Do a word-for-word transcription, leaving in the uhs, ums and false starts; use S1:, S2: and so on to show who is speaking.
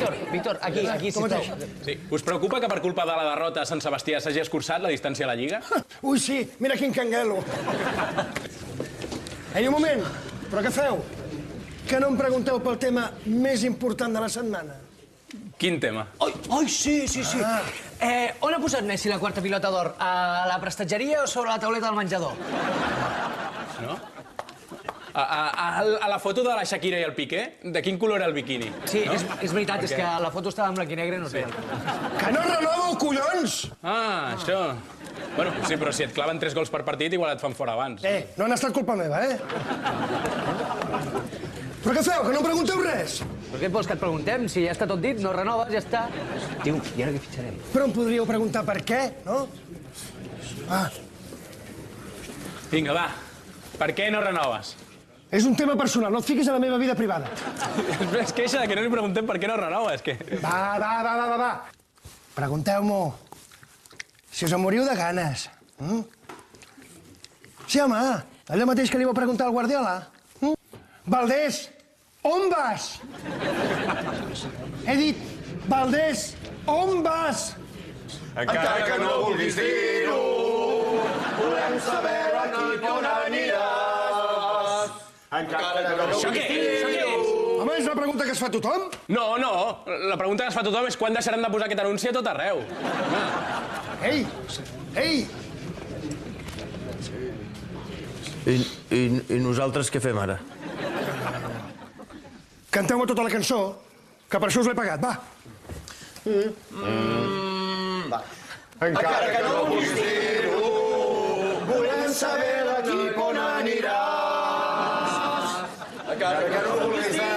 S1: Víctor, Víctor, aquí, aquí, sisplau.
S2: Sí. Us preocupa que per culpa de la derrota a Sant Sebastià s'hagi escurçat la distància a la Lliga?
S3: Ui, sí, mira quin canguelo. Ei, un moment, però què feu? Que no em pregunteu pel tema més important de la setmana?
S2: Quin tema?
S1: Ai, ai, sí, sí, sí. Eh, on ha posat Messi la quarta pilota d'or? A la prestatgeria o sobre la tauleta del menjador?
S2: No? A, a, a, a la foto de la Shakira i el Piqué, de quin color era el biquini?
S1: Sí, és, és veritat, és que la foto estava en blanc i negre i no es veia.
S3: Que no renovo, collons!
S2: Ah, això. Bueno, sí, però si et claven tres gols per partit, igual et fan fora abans.
S3: Eh, no han estat culpa meva, eh? Però què feu, que no em pregunteu res?
S1: Però què et vols que et preguntem? Si ja està tot dit, no renoves, ja està. Tio, i ara què fitxarem?
S3: Però em podríeu preguntar per què, no? Ah,
S2: Vinga, va. Per què no renoves?
S3: és un tema personal, no et fiquis a la meva vida privada.
S2: Es queixa de que no li preguntem per què no renoves, que...
S3: Va, va, va, va, va, va. Pregunteu-m'ho. Si us en moriu de ganes. Mm? Sí, home, allò mateix que li vau preguntar al Guardiola. Mm? Valdés, on vas? He dit, Valdés, on vas?
S4: Encara que no vulguis dir-ho, volem saber a quin on aniràs. Encara que no
S2: Això què és? Això què és?
S3: Home, és una pregunta que es fa a tothom.
S2: No, no. La pregunta que es fa a tothom és quan deixaran de posar aquest anunci a tot arreu.
S3: Ei, ei,
S5: I, i, I nosaltres què fem ara?
S3: canteu-me tota la cançó, que per això us l'he pagat, va.
S4: Encara que no vulguis dir-ho, volem saber l'equip on aniràs. Encara que no vulguis dir-ho,